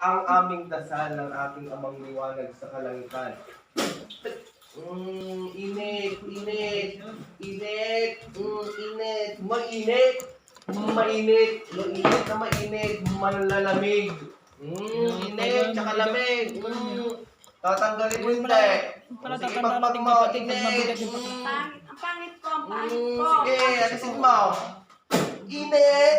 ang aming dasal ng ating amang liwanag sa kalangitan. Init, init, init, init, mainit, mainit, mainit na mainit, malalamig. Init, tsaka lamig. Tatanggalin mo hindi. Sige, pagpag mo, init. Ang pangit ko, ang pangit ko. Sige, alisin mo. Init.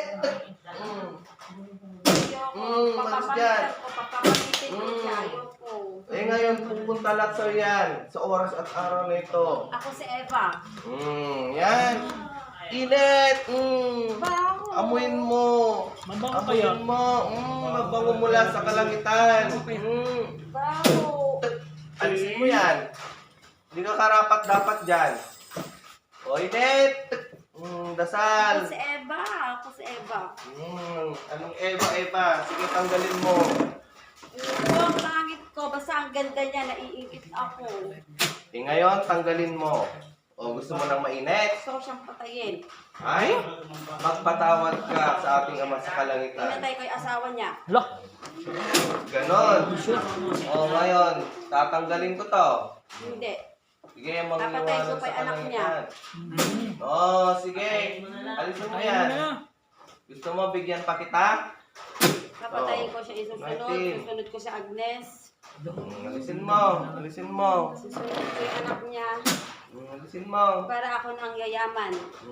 Malis dyan. Papapamitin ko siya, ayoko. Eh ngayon, pupunta lahat sa yan. Sa oras at araw na ito. Ako si Eva. Yan. Init. Baho. Amuin mo. Mabango kaya? Amuin mo. Mabango mula sa kalangitan. Baho. Alisin mo yan. Hindi ka karapat dapat dyan. O, init. Dasal. Ako si Eva. Ako si Eva. Anong Eva? Sige, tanggalin mo. Ito, ang pangit ko. Basta ang ganda niya, naiingit ako. Eh ngayon, tanggalin mo. O, gusto mo nang mainit? Gusto ko siyang patayin. Ay, magpatawad ka sa ating Ama sa kalangitan. Pinatay ko yung asawa niya. Hala! Ganon. O, ngayon, tatanggalin ko to. Hindi. Sige, Napatay ko mangiwanag pa sa yung anak niya. kalangitan. O, sige. Alisin mo yan. Gusto mo, bigyan pa kita? Napatayin ko siya isusunod. Martin. Susunod ko si Agnes. Alisin mo. Alisin mo. Susunod ko yung anak niya. Alisin mo. Para ako nang yayaman.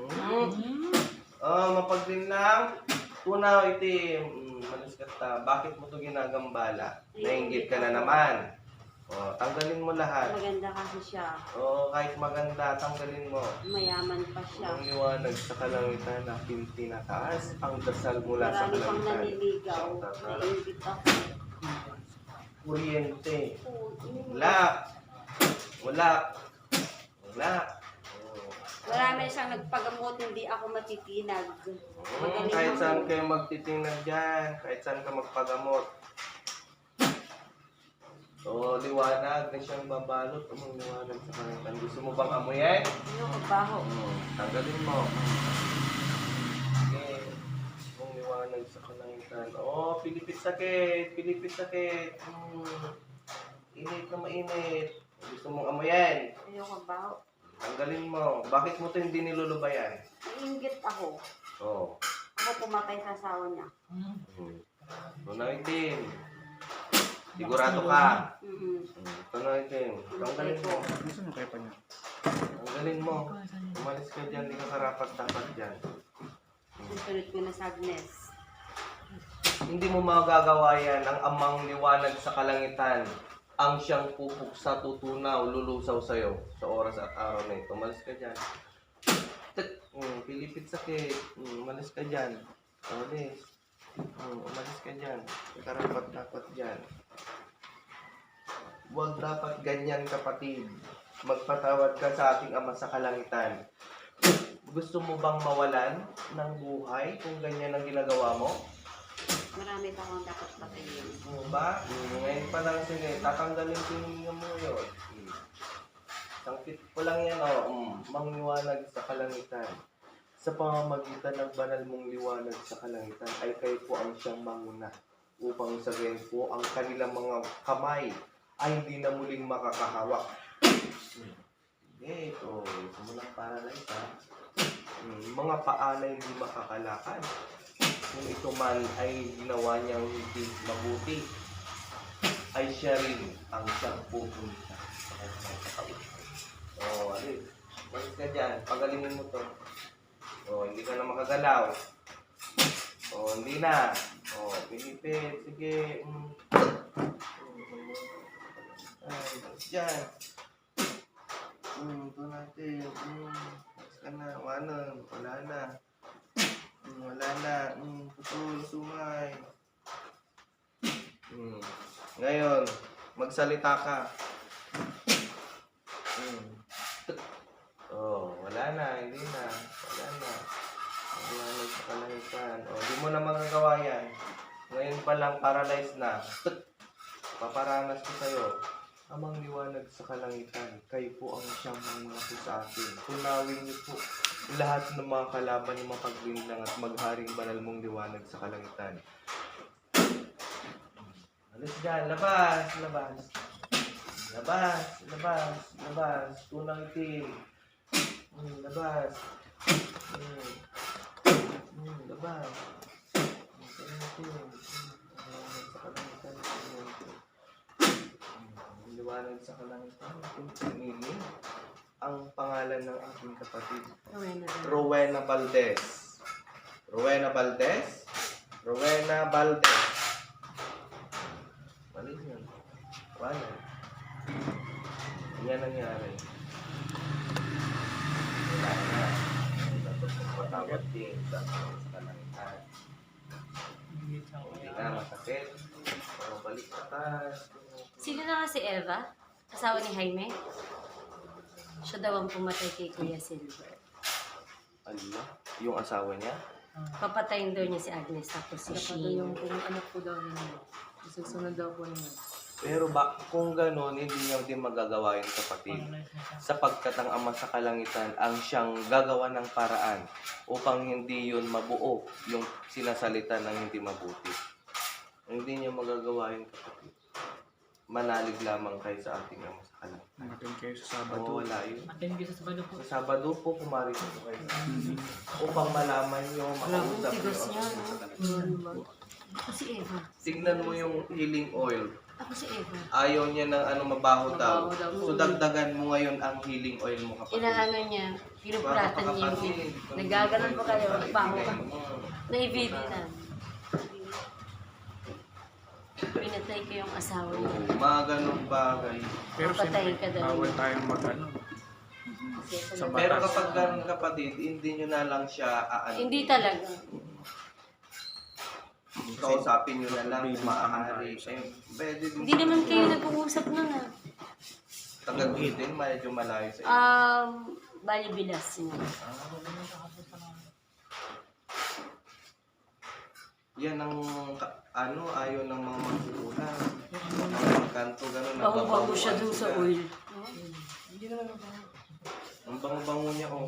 Mapagdin lang. Tunaw, itim. Malis ka ta. Bakit mo ito ginagambala? Nainggit ka na naman. Tanggalin mo lahat. Maganda kasi siya. Kahit maganda, tanggalin mo. Mayaman pa siya. Ang liwanag sa kalangitan na pintinataas. Ang dasal mula sa Marami pang kalangitan. naniligaw. Naiingit ako. Kuryente. Wala. Wala. Wala. Marami siyang nagpagamot, hindi ako matitinag. Kahit saan kayo magtitingnan dyan. Kahit saan ka magpagamot. Liwanag na siyang babalot. Liwanag sa kalangitan. Gusto mo bang amuyin? Ano baho? Tanggalin mo. Okay. Kung liwanag sa kalangitan. Pilipit sakit. Pilipit sakit. Init na mainit. Gusto mong amuyin? Ayoko baho. Tanggalin mo. Bakit mo ito hindi nilulubayan? Naiingit ako. Ako pumatay sa asawa niya. Tunawitin. Sigurado ka. Tunawitin. Tanggalin mo. Gusto mo kaya pa niya? Tanggalin mo. Umalis ka dyan. Hindi ka karapat dapat dyan. Susunod ko na sa Agnes. Hindi mo magagawa yan ang amang liwanag sa kalangitan. Ang siyang pupuk sa tutunaw, lulusaw sa'yo sa oras at araw na ito. Umalis ka dyan. Pilipit sakit. Umalis ka dyan. Umalis. Umalis ka dyan. Karapat dapat dyan. Huwag dapat ganyan, kapatid. Magpatawad ka sa ating Ama sa kalangitan. Gusto mo bang mawalan ng buhay kung ganyan ang ginagawa mo? Marami pa akong dapat patayin. Ba? Ngayon pa lang, sige, tatanggalin ko mo yun. Sangkit ko lang yan, mangliwanag sa kalangitan. Sa pamamagitan ng banal mong liwanag sa kalangitan, ay kayo po ang siyang manguna upang sabihin po ang kanilang mga kamay ay hindi na muling makakahawak. Ito mo ng paralyze, ha? Mga paa na hindi makakalakad. Kung ito man ay ginawa niyang hindi mabuti, ay siya rin ang siyang pupunta sa kanyang katawan. Alis. Balik ka dyan. Pagalingin mo to. Hindi ka na makagalaw. Hindi na. Pilipit. Sige. Balik dyan. Ito natin. Balik ka na. Wala na. Wala na. Putol, sumay. Ngayon, magsalita ka. Wala na. Hindi na. Wala na. Wala na sa kalangitan. Di mo na magagawa yan. Ngayon pa lang, paralyzed na. Paparanas ko sa'yo. Amang liwanag sa kalangitan, kayo po ang siyang mga po sa akin. Tunawin niyo po lahat ng mga kalaban ng mapaglinlang at magharing banal mong liwanag sa kalangitan. Tapos dyan, labas, labas. Labas, labas, labas. Tunang itim. Labas. Labas. Tunang itim. Sa kalangitan. Liwanag sa kalangitan. Piniling ang pangalan ng aking kapatid. Rowena Valdez. Rowena Valdez? Rowena Valdez. Mali yun. Wala. Yan nangyari. Wala na. Tapos magpatawad din sa kalangitan. Hindi na masakit. Balik atas. Sino na nga si Eva? Asawa ni Jaime? Siya daw ang pumatay kay Kuya Silver. Ala, yung asawa niya? Papatayin daw niya si Agnes tapos si Dapat daw Sheen. yung kung anak ko daw niya. Susunod daw po niya. Pero kung gano'n, hindi niya din magagawa yung kapatid. Sapagkat ang ama sa kalangitan ang siyang gagawa ng paraan upang hindi yun mabuo yung sinasalita ng hindi mabuti. Hindi niya magagawa yung kapatid. Manalig lamang kayo sa ating ama sa kalangitan. Mag-attend kayo sa Sabado. Wala yun. Attend ko sa Sabado po. Sa Sabado po, pumarito po kayo. Upang malaman nyo, makausap nyo tigas ang niya, ama no? sa kalangitan. Ako si Eva. Tignan mo yung healing oil. Ako si Eva. Ayaw niya ng mabaho daw. Mabaho daw. So dagdagan mo ngayon ang healing oil mo kapatid. Inaano niya, pinupuratan niya yung nagaganon pa kayo, baho ka. Na-video na. Pinatay ko yung asawa niya. Oo, mga ganun bagay. Pero Papatayin siyempre, ka daw. bawal tayong mag-ano. Kasi Sa talaga- Pero kapag ganun kapatid, hindi nyo na lang siya aano. Hindi talaga. Kausapin nyo na lang kung maaari. Pwede din. Hindi naman kayo nag-uusap nun ah. Tagagid din, medyo malayo sa inyo. Bali bilas niya. Yan ang ayaw ng mga magulang. Mga kanto gano'n. Bago-bago siya dun sa oil. Ang bango-bango niya, oh.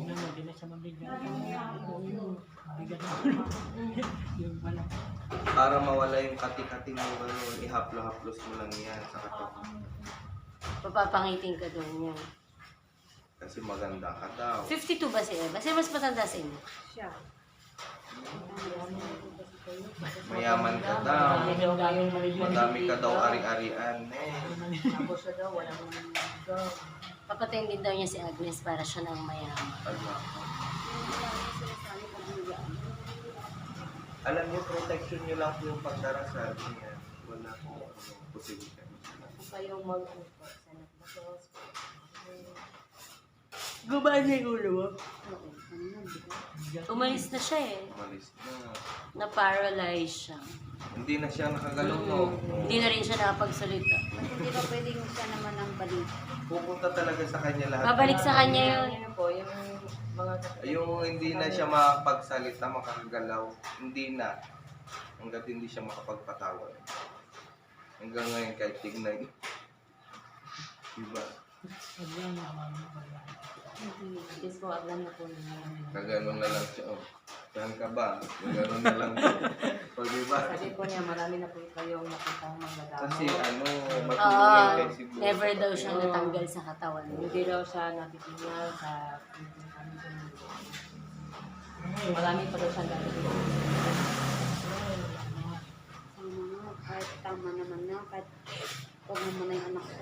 Para mawala yung kati-kati mo gano'n, ihaplo-haplos mo lang yan sa katawan. Papapangitin ka doon niya. Kasi maganda ka daw. 52 ba si Eva? Sino mas matanda sa inyo? Siya. Mayaman ka daw. Madami ka daw ari-arian. Tapos siya daw, walang daw. Papatayin din daw niya si Agnes para siya na ang mayaman. Alam niyo, protection niyo lang po yung pagdarasal niya. Wala po posibilidad. Kayong mag-ano sa nagbasos. Gumaan niya yung ulo mo? Umalis na siya eh. Umalis na. Na-paralyze siya. Hindi na siya nakagalaw, no? Hindi na rin siya nakapagsalita. Hindi ba pwedeng siya naman ang balik? Pupunta talaga sa kanya lahat. Babalik sa kanya yun. Ano po, yung mga Yung hindi na siya makapagsalita, makakagalaw. Hindi na. Hanggat hindi siya makapagpatawad. Hanggang ngayon kahit tignan. Diba? Yes po, aglan na po niya. Kaganon na lang siya. Oh. Saan ka ba? Kaganon na lang siya. O diba? Sabi po niya, marami na po kayong nakitang magdadamo. Kasi Oo, matulungin kay siguro. never daw siya natanggal sa katawan. Hindi daw siya natitingnan sa marami pa daw siya natitingnan. Kahit tama naman na, kahit huwag naman na yung anak ko.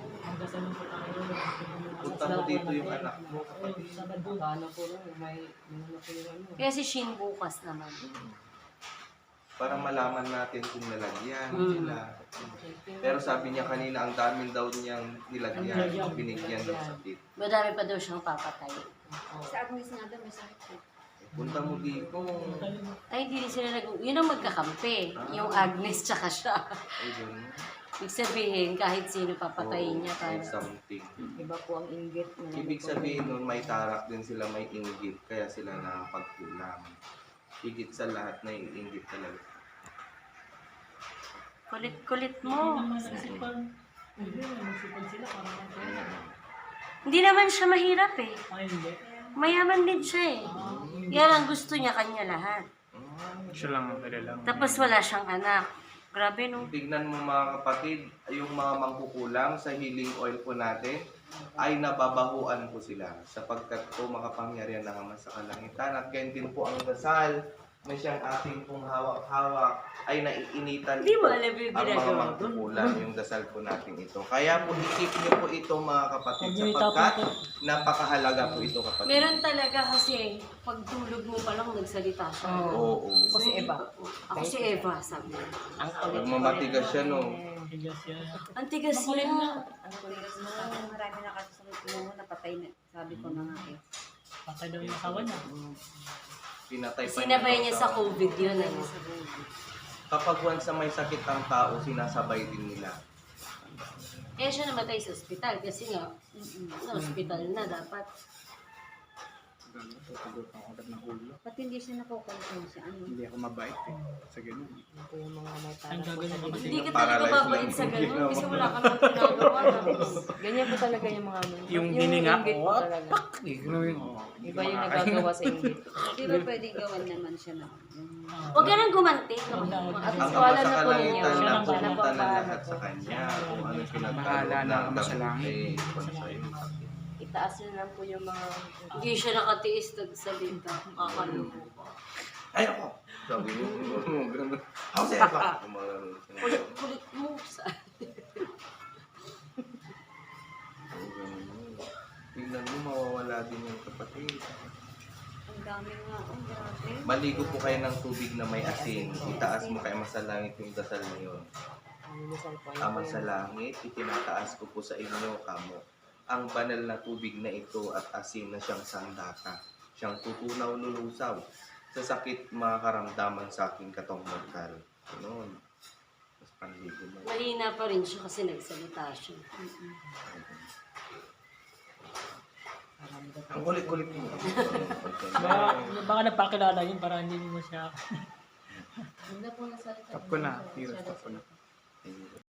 Punta mo dito yung anak mo. Ano po rin, may ano po yung ano. Kaya si Shin bukas naman. Para malaman natin kung nalagyan Mm. nila. Pero sabi niya kanina, ang daming daw niyang nilagyan. Binigyan ng sakit. Madami pa daw siyang papatay. Sa Agnes nga daw, may sakit ko. Punta mo dito. Ay, hindi rin sila yun ang magkakampi. Yung Agnes tsaka siya. Ay, ganun. Ibig sabihin, kahit sino papatayin niya. Ay, Para... something. Iba po ang inggit. Ibig sabihin nun, may tarak din sila, may inggit. Kaya sila nakapagkulang. Higit sa lahat na inggit talaga. Kulit-kulit mo. Hindi naman siya mahirap eh. Mayaman din siya eh. Yan ang gusto niya kanya lahat. Siya lang ang kailangan. Tapos wala siyang anak. Grabe, no? Tignan mo mga kapatid, yung mga mangkukulam sa healing oil po natin, ay nababahuan po sila sapagkat po makapangyarihan ng Ama sa kalangitan at ganyan din po ang dasal na siyang ating pong hawak-hawak ay naiinitan Hindi mo po alam yung ang mga ginagawa doon. mangkukulam yung dasal po natin ito. Kaya po isip niyo po ito mga kapatid sapagkat napakahalaga po ito kapatid. Meron talaga kasi, pagtulog mo pa lang nagsalita siya. Oo. Ako si Eva. Ako si Eva, sabi. Ang Pag mamatigas siya no. Ang tigas niya. Ang tuligas mo, marami na kasi sa mo, napatay na. Sabi ko na nga eh. Patay daw yung asawa niya. Pinatay pa Sinabay niya sa tao. COVID yun. Ano? Kapag once na may sakit ang tao, sinasabay din nila. Kaya siya namatay sa ospital kasi nga, sa ospital na dapat. Tutugod ako agad ng ulo. Ba't hindi siya nakukonsensya? Ano? Hindi ako mabait eh. Sa ganun. Ito yung mga may Ang gagawin mo Hindi ka talaga Paralyzed babait lang. sa ganun kasi wala ka naman ginagawa. Ganyan po talaga yung mga ano. Yung hininga, inggit po talaga. Iba yung nagagawa sa inggit. Di ba pwede gawan naman siya na? Huwag ka nang gumanti. Huwag na, huwag na. At Ang least Ama wala sa na po ninyo. kalangitan na Siya pumunta lang na pa. lahat sa Kanya. Kung ano yung Bahala pinagkaroon na ang Ama sa langit. Itaas nyo lang po yung mga... Hindi siya nakatiis nagsalita. Kakaloko. Ay ako! Sabi mo, ganun. Ako si Eva! Kulit mo sa... Tingnan mo, mawawala din yung kapatid. Ang dami nga, ang grabe. Maligo po kayo ng tubig na may asin. Itaas mo kay Ama sa langit yung dasal na yun. Ama sa langit, itinataas ko po sa inyo, kamo, ang banal na tubig na ito at asin na siyang sandata. Siyang tutunaw lulusaw sa sakit mga karamdaman sa aking katong mortal. Ganoon. Mas panligo mo. Mahina pa rin siya kasi nagsalita siya. Ang kulit-kulit mo. Baka napakilala yun para hindi mo siya Stop ko na. Hero, stop ko na.